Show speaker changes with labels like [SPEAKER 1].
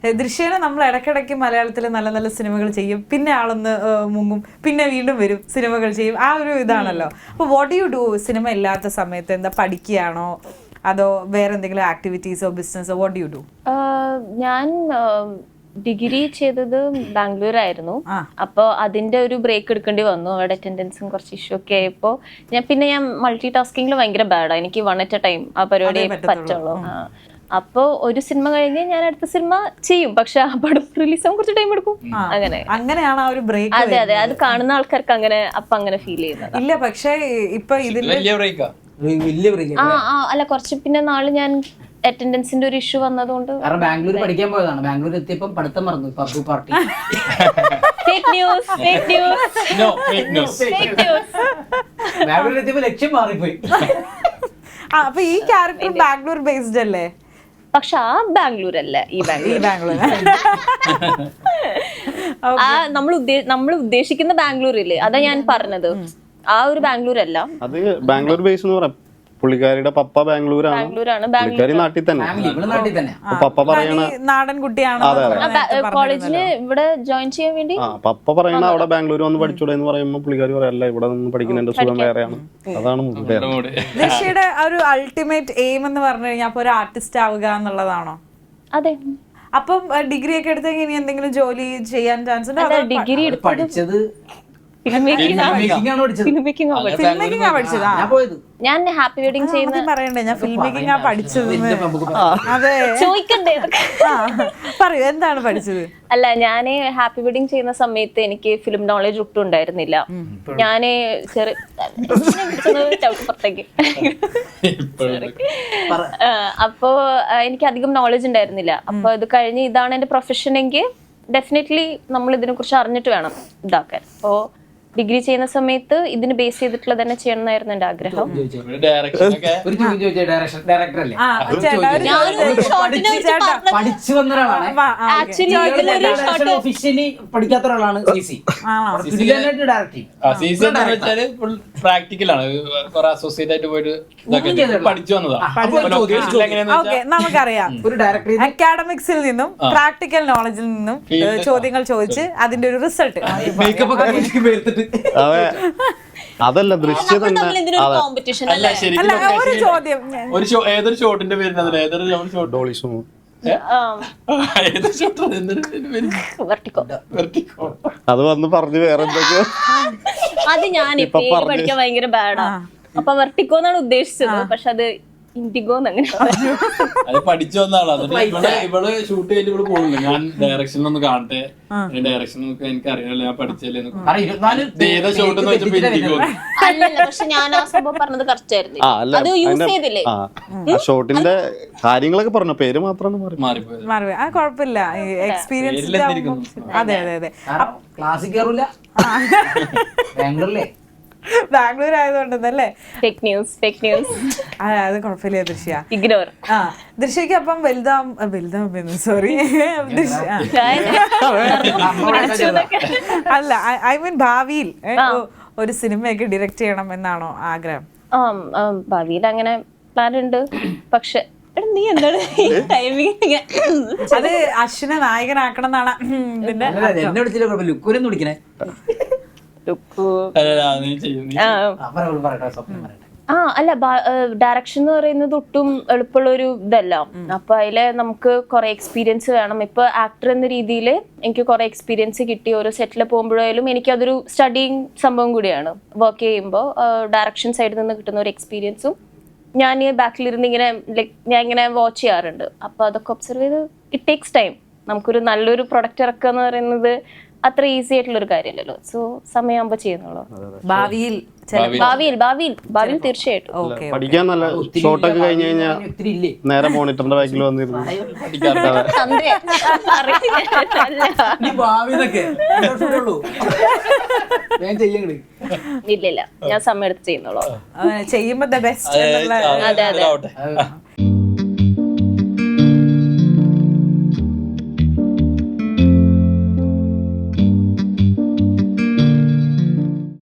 [SPEAKER 1] ദൃശ്യേന നമ്മൾ ഇടയ്ക്കിടയ്ക്ക് മലയാളത്തിൽ നല്ല നല്ല സിനിമകൾ ചെയ്യും, പിന്നെ ആളൊന്ന് മുങ്ങും, പിന്നെ വീണ്ടും വരും, സിനിമകൾ ചെയ്യും, ആ ഒരു ഇതാണല്ലോ. അപ്പോൾ വാട്ട് യു ഡു സിനിമ ഇല്ലാത്ത സമയത്ത്? എന്താ, പഠിക്കുകയാണോ അതോ വേറെ എന്തെങ്കിലും ആക്ടിവിറ്റീസോ ബിസിനസ്സോ? What you do?
[SPEAKER 2] ഞാൻ ഡിഗ്രി ചെയ്തത് ബാംഗ്ലൂരായിരുന്നു. അപ്പോൾ അതിന്റെ ഒരു ബ്രേക്ക് എടുക്കേണ്ടി വന്നു. അവിടെ അറ്റൻഡൻസും കുറച്ച് ഇഷ്യൂ ഒക്കെ ആയപ്പോൾ ഞാൻ മൾട്ടി ടാസ്കിങ്ങിൽ ഭയങ്കര ബാഡാണ്. എനിക്ക് 1 at a time ആ പരിപാടി പറ്റുള്ളൂ. അപ്പൊ ഒരു സിനിമ കഴിഞ്ഞ് ഞാൻ അടുത്ത സിനിമ ചെയ്യും, പക്ഷെ ആ പടം റിലീസ് ആവാൻ കുറച്ച് ടൈം എടുക്കും.
[SPEAKER 1] അങ്ങനെയാണ് ആ ഒരു ബ്രേക്ക്.
[SPEAKER 2] അതെ അതെ, അത് കാണുന്ന ആൾക്കാർക്ക് അങ്ങനെ ഫീൽ ചെയ്യുന്നത്
[SPEAKER 1] ഇല്ല. പക്ഷെ ഇപ്പൊ ഇതിന്റെ
[SPEAKER 2] അല്ല, കുറച്ച് പിന്നെ നാള് ഞാൻ അറ്റൻഡൻസിന്റെ ഒരു ഇഷ്യൂ വന്നതുകൊണ്ട്
[SPEAKER 3] ബാംഗ്ലൂർ പഠിക്കാൻ പോയതാണ്. ബാംഗ്ലൂർ എത്തിയപ്പോ പഠിത്തം മറന്നു. പബ്ബു പാർട്ടി. ബാംഗ്ലൂർ എത്തിയപ്പോ ലക്ഷ്യം മാറിപ്പോയി.
[SPEAKER 1] അപ്പൊ ഈ ക്യാരക്ടർ ബാംഗ്ലൂർ ബേസ്ഡ് അല്ലേ?
[SPEAKER 2] പക്ഷെ ആ ബാംഗ്ലൂർ അല്ല, ഈ ബാംഗ്ലൂർ. ആ നമ്മൾ ഉദ്ദേശിക്കുന്ന ബാംഗ്ലൂർ ഇല്ലേ, അതാ ഞാൻ പറഞ്ഞത്. ആ ഒരു ബാംഗ്ലൂർ അല്ല.
[SPEAKER 4] അത് ബാംഗ്ലൂർ ബേസ് എന്ന് പറയാം. പുള്ളിക്കാരിയുടെ പപ്പ ബാംഗ്ലൂരാണ്, പുള്ളിക്കാരി നാട്ടിൽ തന്നെ. പപ്പ പറയണ
[SPEAKER 1] നാടൻ കുട്ടിയാണ്.
[SPEAKER 2] കോളേജിന് ഇവിടെ ജോയിൻ ചെയ്യാൻ വേണ്ടി
[SPEAKER 4] പപ്പ പറയണ അവിടെ ബാംഗ്ലൂർ വന്ന് പഠിച്ചൂടെ എന്ന് പറയുമ്പോ പുള്ളിക്കാരി പറയല്ല, ഇവിടെ നിന്ന് പഠിക്കുന്നതിന്റെ സുഖം വേറെയാണ്. അതാണ്
[SPEAKER 1] ദൃശ്യയുടെ ഒരു അൾട്ടിമേറ്റ് എയിം എന്ന് പറഞ്ഞു കഴിഞ്ഞാൽ അപ്പൊ ഒരു ആർട്ടിസ്റ്റ് ആവുക എന്നുള്ളതാണോ?
[SPEAKER 2] അതെ.
[SPEAKER 1] അപ്പം ഡിഗ്രി ഒക്കെ എടുത്തെങ്കിൽ ഇനി എന്തെങ്കിലും ജോലി ചെയ്യാൻ ചാൻസ് ഉണ്ടോ?
[SPEAKER 2] ഡിഗ്രി
[SPEAKER 3] പഠിച്ചത്
[SPEAKER 2] ഞാൻ ഹാപ്പി വെഡിങ് ചെയ്യുന്ന
[SPEAKER 1] പറയണ്ടേ, ഞാൻ ഫിലിം മേക്കിംഗ് പഠിച്ചത്. അതെ,
[SPEAKER 2] ചോദിക്കണ്ടേ?
[SPEAKER 1] പറയൂ, എന്താണ് പഠിച്ചത്?
[SPEAKER 2] അല്ല, ഞാന് ഹാപ്പി വെഡിങ് ചെയ്യുന്ന സമയത്ത് എനിക്ക് ഫിലിം നോളജ് ഒട്ടും ഉണ്ടായിരുന്നില്ല. ഞാന് പുറത്തേക്ക് അപ്പോ എനിക്ക് അധികം നോളജ് ഉണ്ടായിരുന്നില്ല. അപ്പൊ ഇത് കഴിഞ്ഞ് ഇതാണ് എന്റെ പ്രൊഫഷൻ എങ്കിൽ ഡെഫിനറ്റ്ലി നമ്മൾ ഇതിനെ കുറിച്ച് അറിഞ്ഞിട്ട് വേണം ഇതാക്കാൻ. അപ്പോ ഡിഗ്രി ചെയ്യുന്ന സമയത്ത് ഇതിന് ബേസ് ചെയ്തിട്ടുള്ള തന്നെ ചെയ്യണം എന്നായിരുന്നു എന്റെ ആഗ്രഹം.
[SPEAKER 3] പഠിക്കാത്ത ഒരാളാണ്.
[SPEAKER 5] പ്രാക്ടിക്കലാണ്, അസോസിയേറ്റ് ആയിട്ട് പോയിട്ട് പഠിച്ചു വന്നതാണ്.
[SPEAKER 1] നമുക്കറിയാം, ഒരു ഡയറക്ടർ അക്കാഡമിക്സിൽ നിന്നും പ്രാക്ടിക്കൽ നോളജിൽ നിന്നും ചോദ്യങ്ങൾ ചോദിച്ച് അതിന്റെ ഒരു റിസൾട്ട്.
[SPEAKER 4] അതെ, അതല്ല ദൃശ്യം തന്നെ.
[SPEAKER 1] ഒരു ചോദ്യം,
[SPEAKER 5] ഏതൊരു ഷോട്ടിന്റെ പേര്
[SPEAKER 4] അത് വന്ന് പറഞ്ഞു വേറെ എന്തൊക്കെയോ.
[SPEAKER 2] അത് ഞാൻ പഠിക്കാൻ ഭയങ്കര ബാഡാ. അപ്പൊ വെർട്ടിക്കോ എന്നാണ് ഉദ്ദേശിച്ചത്, പക്ഷെ അത് ഇൻഡിഗോ അങ്ങനെ
[SPEAKER 5] അത് പഠിച്ചു വന്നാളാണ്. ഇവള് ഷൂട്ട് ചെയ്തിട്ട് ഇവിടെ പോകുന്നില്ല. ഞാൻ ഡയറക്ഷൻ ഒന്ന് കാണട്ടെ, ഡയറക്ഷൻ എനിക്ക് അറിയാമല്ലോ, ഞാൻ പഠിച്ചല്ലേ ഏതാ ഷോട്ട് എന്ന് വെച്ചപ്പോ ഇൻഡിഗോ.
[SPEAKER 2] അല്ലല്ല, പക്ഷെ ഞാൻ ആ സംഭവം പറഞ്ഞത് കറക്റ്റ് ആയിരുന്നു. അത് യൂസ് ചെയ്തില്ലേ?
[SPEAKER 4] ഷോട്ടിന്റെ കാര്യങ്ങളൊക്കെ പറഞ്ഞു, പേര് മാത്രമാണ്
[SPEAKER 5] മാറിപ്പോയത്.
[SPEAKER 1] ആ കുഴപ്പമില്ല, എക്സ്പീരിയൻസ്. അതെ അതെ അതെ.
[SPEAKER 3] ക്ലാസ്സിൽ കയറൂല ബാംഗ്ലൂരിലെ.
[SPEAKER 1] ബാംഗ്ലൂർ ആയതുകൊണ്ടല്ലേ?
[SPEAKER 2] Fake news.
[SPEAKER 1] അത് കുഴപ്പമില്ല ദൃശ്യ.
[SPEAKER 2] ഇഗ്നോർ.
[SPEAKER 1] ദൃശ്യക്ക് അപ്പം വലുതാം സോറി അല്ല, ഐ മീൻ ഭാവിയിൽ ഒരു സിനിമയൊക്കെ ഡയറക്റ്റ് ചെയ്യണം എന്നാണോ ആഗ്രഹം?
[SPEAKER 2] ഭാവിയിൽ അങ്ങനെ പ്ലാൻ ഉണ്ട്. പക്ഷെ നീ എന്താണ്
[SPEAKER 1] അത് അശ്വിനെ നായകനാക്കണം എന്നാണ് ഇതിന്റെ
[SPEAKER 3] ലുക്കൂരെന്ന് വിളിക്കണേ.
[SPEAKER 2] അല്ല, ഡയറക്ഷൻ എന്ന് പറയുന്നത് ഒട്ടും എളുപ്പമുള്ള ഒരു ഇതല്ല. അപ്പൊ അതില് നമുക്ക് കുറെ എക്സ്പീരിയൻസ് വേണം. ഇപ്പൊ ആക്ടർ എന്ന രീതിയിൽ എനിക്ക് കുറെ എക്സ്പീരിയൻസ് കിട്ടി. ഓരോ സെറ്റിൽ പോകുമ്പോഴായാലും എനിക്കതൊരു സ്റ്റഡിങ് സംഭവം കൂടിയാണ്. വർക്ക് ചെയ്യുമ്പോൾ ഡയറക്ഷൻ സൈഡിൽ നിന്ന് കിട്ടുന്ന ഒരു എക്സ്പീരിയൻസും ഞാൻ ബാക്കിലിരുന്ന് ഇങ്ങനെ ഞാൻ ഇങ്ങനെ വാച്ച് ചെയ്യാറുണ്ട്. അപ്പൊ അതൊക്കെ ഒബ്സർവ് ചെയ്ത് ഇറ്റ് ടേക്സ് ടൈം. നമുക്കൊരു നല്ലൊരു പ്രൊഡക്റ്റ് ഇറക്കുക എന്ന് പറയുന്നത് അത്ര ഈസി ആയിട്ടുള്ള ഒരു കാര്യമല്ലല്ലോ. സോ സമയമാകുമ്പോ ചെയ്യുന്നുള്ളൂ.
[SPEAKER 1] ഭാവിയിൽ
[SPEAKER 2] തീർച്ചയായിട്ടും
[SPEAKER 4] പഠിക്കാൻ നല്ല ഷോട്ടൊക്കെ കഴിഞ്ഞ് കഴിഞ്ഞാൽ നേരെ മോണിറ്ററിന്റെ ബാക്കിൽ വന്നിരുന്നു.
[SPEAKER 2] ഇല്ല, ഞാൻ സമയം എടുത്ത് ചെയ്യുന്നുള്ളൂ.
[SPEAKER 1] ചെയ്യുമ്പോ ബെസ്റ്റ്.
[SPEAKER 2] അതെ.